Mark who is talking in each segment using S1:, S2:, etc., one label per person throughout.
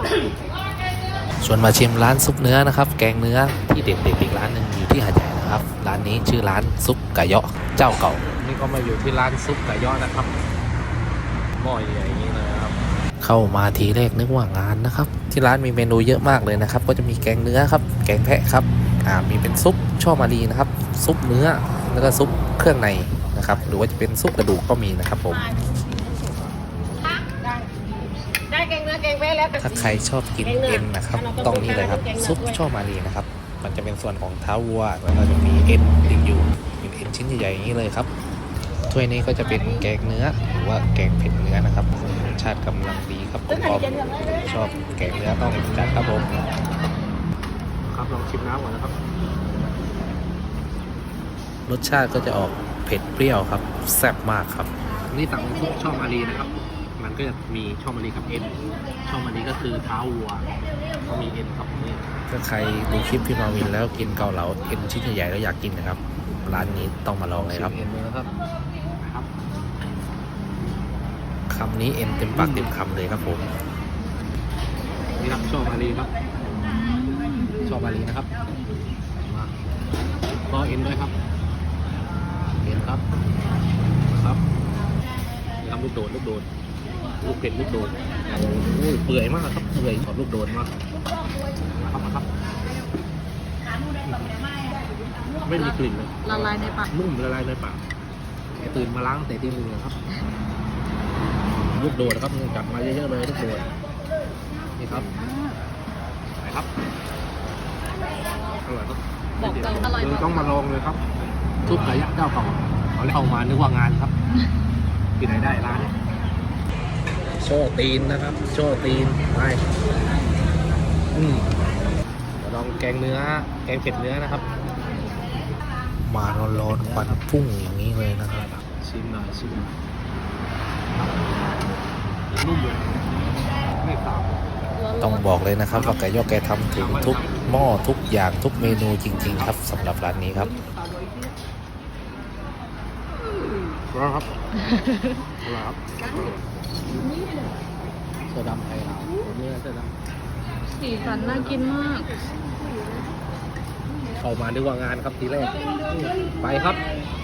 S1: ชวนมาชิมร้านซุปเนื้อนะครับแกงเนื้อที่เด็ดๆอีกร้านหนึ่งอยู่ที่หาดใหญ่นะครับร้านนี้ชื่อร้านซุปไก่เยาะเจ้าเก่านี่ก็มาอยู่ที่ร้านซุปไก่เยาะนะครับหม้อใหญ่อย่างนี้เลยครับเข้ามาทีแรกนึกว่างานนะครับที่ร้านมีเมนูเยอะมากเลยนะครับก็จะมีแกงเนื้อครับแกงแพะครับมีเป็นซุปช่อมารีนะครับซุปเนื้อแล้วก็ซุปเครื่องในนะครับหรือว่าจะเป็นซุปกระดูกก็มีนะครับผม
S2: ได้แกงเนื้อแกงแพะแล้ว
S1: ถ้าใครชอบกินเอ็นนะครับต้องนี่เลยครับซุปช่อมารีนะครับมันจะเป็นส่วนของเท้าวัวแล้วก็จะมีเอ็นติดอยู่เป็นเอ็นชิ้นใหญ่ๆอย่างนี้เลยครับถ้วยนี้ก็จะเป็นแกงเนื้อหรือว่าแกงเผ็ดเนื้อนะครับรสชาติกำลังดีครับผมชอบแกงเนื้อต้องจัดครับผมครับลองชิมน้ำก่อนนะครับรสชาติก็จะออกเผ็ดเปรี้ยวครับแซ่บมากครับนี่สั่งซุปช่อมารีนะครับมันก็จะมีช่อมารีกับเอ็นช่อมารีก็คือเท้าวัวก็มีเอ็นครับนี่ถ้าใครดูคลิปพี่มาวินแล้วกินเกาเหลาเอ็นชิ้นใหญ่ๆแล้วอยากกินนะครับร้านนี้ต้องมาลองเลยครับเอ็นเลยนะครับคำนี้เอ็นเต็มปากเต็มคำเลยครับผมนี่ครับช่อมารีครับช่อมารีนะครับก็เอ็นด้วยครับเอ็นครับครับทำลูกโดดลูกเผ็ดลูกโดดโอ้ยเปื่อยมากครับเปื่อยขอบลูกโดดมากครับไม่มีกลิ่นเลย
S2: ละลายในปาก
S1: นุ่มละลายในปากตื่นมาล้างแต่ตีมือครับลูกโดดครับจับมาเยอะๆเลยลูกโดดนี่ครับไหนครับอร่อยครับ
S2: บอกเลยอร่อย
S1: ต้องมาลองเลยครับซุปไก่ยักษ์เจ้าเก่าเขาเข้ามานึกว่างานครับที่ไหนได้ร้านโชว์ตีนนะครับโชว์ตีนไปลองแกงเนื้อแกงเผ็ดเนื้อนะครับมาร้อนๆควันพุ่งอย่างนี้เลยนะครับชิมหน่อยนุ่มเลยไม่สาบต้องบอกเลยนะครับว่าไก่ย่อแกทำถึงทุกหม้อทุกอย่างทุกเมนูจริงๆครับสำหรับร้านนี้ครับร้อนครับเสื้อดำไทยเราเนื้อเสื้อดำ
S2: สีสันน่ากินมาก
S1: เข้ามาด้วยว่างานครับทีแรกไปครับ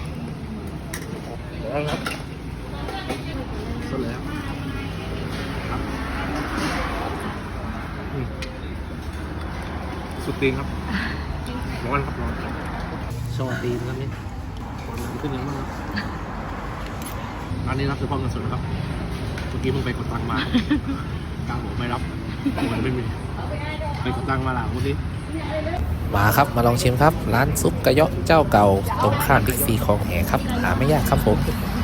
S1: ร้อนครับสุดแล้วครับสุดตีนครับร้อนครับร้อนชอบตีนครับนี่ความร้อนขึ้นเยอะมากร้านนี้รับเฉพาะเงินสดนะครับเมื่อกี้เพิ่งไปกดตังค์มากลางบอกไม่รับมันไม่มีไปกดตังค์มาหลังเมื่อกี้มาครับมาลองชิมครับร้านซุปกระเยาะเจ้าเก่าตรงข้ามบิ๊กซีคลองแหครับหาไม่ยากครับผม